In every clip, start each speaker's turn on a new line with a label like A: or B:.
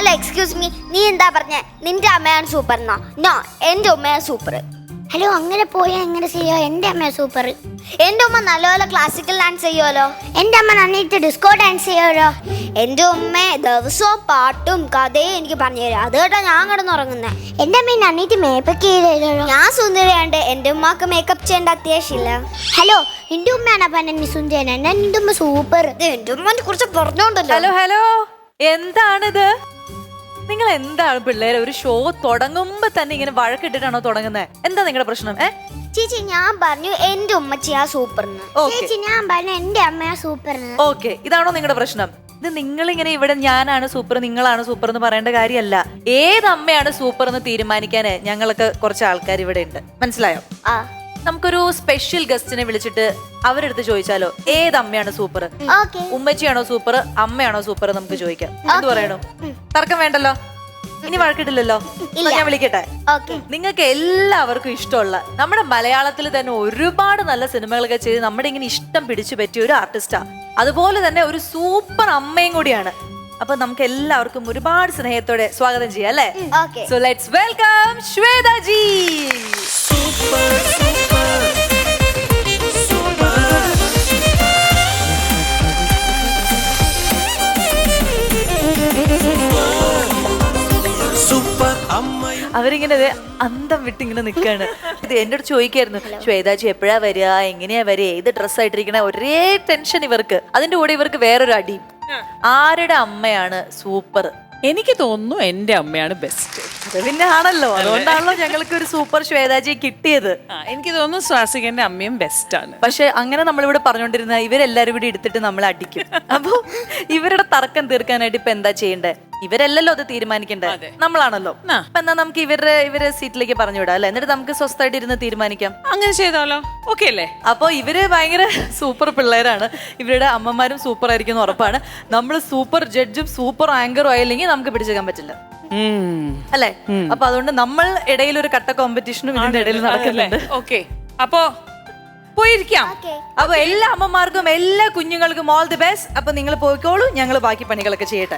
A: Excuse me, നീ എന്താ പറഞ്ഞേ? നിന്റെ അമ്മയാണ് സൂപ്പർ എന്നോ? നോ, എന്റെ ഉമ്മയാണ് സൂപ്പർ.
B: ഹലോ, അങ്ങനെ പോയാൽ എങ്ങനെ ചെയ്യാ? എന്റെ അമ്മ സൂപ്പർ.
A: എന്റെ ഉമ്മ നല്ലപോലെ ക്ലാസിക്കൽ ഡാൻസ് ചെയ്യുമല്ലോ.
B: എന്റെ അമ്മ നന്നായിട്ട് ഡിസ്കോ ഡാൻസ് ചെയ്യുമല്ലോ.
A: എന്റെ ഉമ്മ ദിവസവും പാട്ടും കഥയും എനിക്ക് പറഞ്ഞു തരും. അത് കേട്ടാ ഞാൻ കിടന്നുറങ്ങുന്നേ.
B: എന്റെ അമ്മ നന്നായിട്ട് മേക്കപ്പ് ചെയ്തല്ലോ.
A: ഞാൻ സുന്ദരിയാണ്ട് എന്റെ ഉമ്മക്ക് മേക്കപ്പ് ചെയ്യേണ്ട അത്യാവശ്യമില്ല.
B: ഹലോ, എന്റെ ഉമ്മയാണ് പറഞ്ഞ സുന്ദരൻ. എന്റെ ഉമ്മ സൂപ്പർ.
A: എന്റെ ഉമ്മനെ കുറിച്ച് പറഞ്ഞോണ്ടല്ലോ.
C: ഹലോ ഹലോ, എന്താണിത്? നിങ്ങൾ എന്താണ് പിള്ളേരെ ഒരു ഷോ തുടങ്ങുമ്പോ തന്നെ ഇങ്ങനെ വഴക്കിട്ടിട്ടാണോ തുടങ്ങുന്നത്? എന്താ നിങ്ങളുടെ പ്രശ്നം?
A: ചേച്ചി, ഞാൻ പറഞ്ഞു എന്റെ ഉമ്മച്ചിയാ സൂപ്പർ.
B: ചേച്ചി, ഞാൻ പറഞ്ഞു എന്റെ അമ്മയാ സൂപ്പർ.
C: ഓക്കെ, ഇതാണോ നിങ്ങളുടെ പ്രശ്നം? ഇത് നിങ്ങളിങ്ങനെ ഇവിടെ ഞാനാണ് സൂപ്പർ, നിങ്ങളാണ് സൂപ്പർ എന്ന് പറയേണ്ട കാര്യമല്ല. ഏത് അമ്മയാണ് സൂപ്പർ എന്ന് തീരുമാനിക്കാന് ഞങ്ങൾക്ക് കുറച്ച് ആൾക്കാർ ഇവിടെ ഉണ്ട്. മനസ്സിലായോ? നമുക്കൊരു സ്പെഷ്യൽ ഗസ്റ്റിനെ വിളിച്ചിട്ട് അവരെടുത്ത് ചോദിച്ചാലോ, ഏത് അമ്മയാണ് സൂപ്പർ? ഉമ്മച്ചിയാണോ സൂപ്പർ, അമ്മയാണോ സൂപ്പർ? നമുക്ക് ചോദിക്കാം. എന്ത് പറയണോ? തർക്കം വേണ്ടല്ലോ, ഇനി വഴക്കിട്ടില്ലല്ലോ. ഞാൻ വിളിക്കട്ടെ. നിങ്ങൾക്ക് എല്ലാവർക്കും ഇഷ്ടമുള്ള, നമ്മുടെ മലയാളത്തിൽ തന്നെ ഒരുപാട് നല്ല സിനിമകളൊക്കെ ചെയ്ത് നമ്മുടെ ഇങ്ങനെ ഇഷ്ടം പിടിച്ചു പറ്റിയ ഒരു ആർട്ടിസ്റ്റാ. അതുപോലെ തന്നെ ഒരു സൂപ്പർ അമ്മയും കൂടിയാണ്. അപ്പൊ നമുക്ക് എല്ലാവർക്കും ഒരുപാട് സ്നേഹത്തോടെ സ്വാഗതം ചെയ്യാം, അല്ലേ? So let's welcome Shweta ji. അവരിങ്ങനെ അന്തം വിട്ടിങ്ങനെ നിൽക്കാണ്. ഇത് എന്റെ അടുത്ത് ചോദിക്കായിരുന്നു, ശ്വേതാജി എപ്പോഴാ വരിക, എങ്ങനെയാ വരിക, ഏത് ഡ്രസ്സായിട്ടിരിക്കണ, ഒരേ ടെൻഷൻ ഇവർക്ക്. അതിന്റെ കൂടെ ഇവർക്ക് വേറൊരു അടിയും. ആരുടെ അമ്മയാണ് സൂപ്പർ?
D: എനിക്ക് തോന്നുന്നു എന്റെ അമ്മയാണ് ബെസ്റ്റ്.
C: അത് പിന്നെ ആണല്ലോ, അതുകൊണ്ടാണല്ലോ ഞങ്ങൾക്ക് ഒരു സൂപ്പർ ശ്വേതാജിയെ കിട്ടിയത്.
D: എനിക്ക് തോന്നുന്നു സ്വാസികന്റെ അമ്മയും ബെസ്റ്റ് ആണ്.
C: പക്ഷെ അങ്ങനെ നമ്മളിവിടെ പറഞ്ഞുകൊണ്ടിരുന്ന ഇവരെല്ലാരും കൂടി എടുത്തിട്ട് നമ്മളെ അടിക്കും. അപ്പൊ ഇവരുടെ തർക്കം തീർക്കാനായിട്ട് ഇപ്പൊ എന്താ ചെയ്യണ്ടേ? ഇവരല്ലല്ലോ അത് തീരുമാനിക്കണ്ടേ, നമ്മളാണല്ലോ. അപ്പൊ എന്നാ നമുക്ക് ഇവരെ സീറ്റിലേക്ക് പറഞ്ഞു വിടാം, അല്ലെ? എന്നിട്ട് നമുക്ക് സ്വസ്ഥമായിട്ട് ഇരുന്ന് തീരുമാനിക്കാം.
D: അങ്ങനെ ചെയ്താലോ? ഓക്കെ അല്ലേ?
C: അപ്പൊ ഇവര് ഭയങ്കര സൂപ്പർ പിള്ളേരാണ്. ഇവരുടെ അമ്മമാരും സൂപ്പർ ആയിരിക്കും ഉറപ്പാണ്. നമ്മൾ സൂപ്പർ ജഡ്ജും സൂപ്പർ ആങ്കറും ആയില്ലെങ്കിൽ നമുക്ക് പിടിച്ചേക്കാൻ പറ്റില്ല, അല്ലെ? അപ്പൊ അതുകൊണ്ട് നമ്മൾ ഇടയിൽ ഒരു കട്ട കോമ്പറ്റീഷനും ഇതിന്റെ ഇടയിൽ നടക്കുന്നുണ്ട്.
D: ഓക്കെ, അപ്പൊ പോയിരിക്കാം.
C: അപ്പൊ എല്ലാ അമ്മമാർക്കും എല്ലാ കുഞ്ഞുങ്ങൾക്കും ഓൾ ദി ബെസ്റ്റ്. അപ്പൊ നിങ്ങൾ പോയിക്കോളൂ, ഞങ്ങൾ ബാക്കി പണികളൊക്കെ ചെയ്യട്ടെ.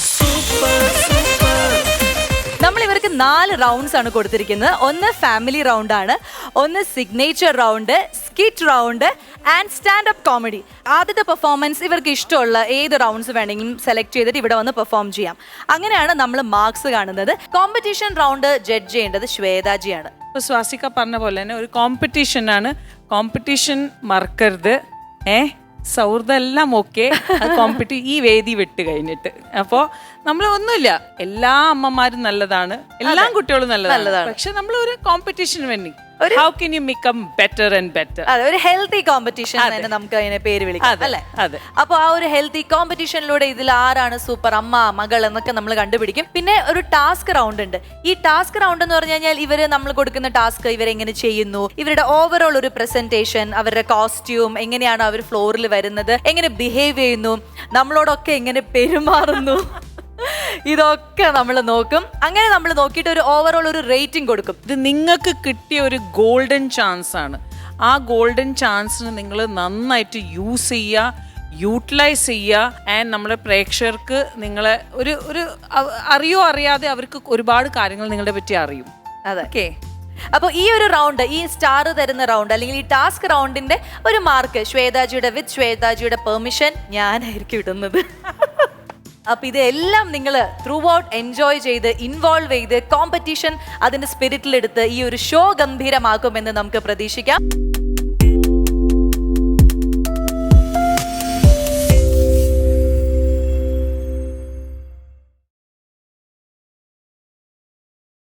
C: നമ്മൾ ഇവർക്ക് 4 റൗണ്ട്സ് ആണ് കൊടുത്തിരിക്കുന്നത്. ഒന്ന് ഫാമിലി റൗണ്ട് ആണ്, ഒന്ന് signature round, skit round and stand up comedy. ആദ്യത്തെ പെർഫോമൻസ് ഇവർക്ക് ഇഷ്ടമുള്ള ഏത് റൗണ്ട്സ് വേണമെങ്കിലും സെലക്ട് ചെയ്തിട്ട് ഇവിടെ വന്ന് പെർഫോം ചെയ്യാം. അങ്ങനെയാണ് നമ്മൾ മാർക്സ് കാണുന്നത്. കോമ്പറ്റീഷൻ റൗണ്ട് ജഡ്ജ് ചെയ്യേണ്ടത് ശ്വേതാജിയാണ്.
D: ഇപ്പൊ സ്വാസിക പറഞ്ഞ പോലെ തന്നെ ഒരു കോമ്പറ്റീഷൻ ആണ്. കോമ്പറ്റീഷൻ മറക്കരുത്. സൗഹൃദം എല്ലാം ഓക്കെ, ഈ വേദി വിട്ട് കഴിഞ്ഞിട്ട്. അപ്പോ നമ്മൾ ഒന്നുമില്ല, എല്ലാ അമ്മമാരും നല്ലതാണ്, എല്ലാ കുട്ടികളും നല്ലതാണ്. പക്ഷെ നമ്മൾ ഒരു കോമ്പറ്റീഷന് വേണ്ടി how can you become better and better.
C: അതെ, ഒരു ഹെൽത്തി കോമ്പറ്റീഷൻ തന്നെ നമുക്ക് അതിനെ പേര് വിളിക്കാം, അല്ലേ?
D: അതെ.
C: അപ്പൊ ആ ഒരു ഹെൽത്തി കോമ്പറ്റീഷനിലൂടെ ഇതിൽ ആരാണ് സൂപ്പർ അമ്മ, മകൾ എന്നൊക്കെ നമ്മൾ കണ്ടുപിടിക്കും. പിന്നെ ഒരു ടാസ്ക് റൗണ്ട് ഉണ്ട്. ഈ ടാസ്ക് റൗണ്ട് എന്ന് പറഞ്ഞു കഴിഞ്ഞാൽ ഇവര് നമ്മൾ കൊടുക്കുന്ന ടാസ്ക് ഇവരെങ്ങനെ ചെയ്യുന്നു, ഇവരുടെ ഓവറോൾ ഒരു പ്രസന്റേഷൻ, അവരുടെ കോസ്റ്റ്യൂം, എങ്ങനെയാണ് അവർ ഫ്ലോറിൽ വരുന്നത്, എങ്ങനെ ബിഹേവ് ചെയ്യുന്നു, നമ്മളോടൊക്കെ എങ്ങനെ പെരുമാറുന്നു, ഇതൊക്കെ നമ്മൾ നോക്കും. അങ്ങനെ നമ്മൾ നോക്കിയിട്ട് ഒരു ഓവറോൾ ഒരു റേറ്റിംഗ് കൊടുക്കും.
D: ഇത് നിങ്ങൾക്ക് കിട്ടിയ ഒരു ഗോൾഡൻ ചാൻസ് ആണ്. ആ ഗോൾഡൻ ചാൻസിന് നിങ്ങൾ നന്നായിട്ട് യൂസ് ചെയ്യുക, യൂട്ടിലൈസ് ചെയ്യുക. ആൻഡ് നമ്മുടെ പ്രേക്ഷകർക്ക് നിങ്ങളെ ഒരു അറിയോ അറിയാതെ അവർക്ക് ഒരുപാട് കാര്യങ്ങൾ നിങ്ങളെ പറ്റി അറിയും.
C: അതൊക്കെ അപ്പൊ ഈ ഒരു റൗണ്ട്, ഈ സ്റ്റാർ തരുന്ന റൗണ്ട് അല്ലെങ്കിൽ ഈ ടാസ്ക് റൗണ്ടിന്റെ ഒരു മാർക്ക് വിത്ത് ശ്വേതാജിയുടെ പെർമിഷൻ ഞാനായിരിക്കും ഇടുന്നത്. അപ്പൊ ഇതെല്ലാം നിങ്ങൾ ത്രൂ ഔട്ട് എൻജോയ് ചെയ്ത് ഇൻവോൾവ് ചെയ്ത് കോമ്പറ്റീഷൻ അതിന്റെ സ്പിരിറ്റിലെടുത്ത് ഈ ഒരു ഷോ ഗംഭീരമാക്കുമെന്ന് നമുക്ക് പ്രതീക്ഷിക്കാം.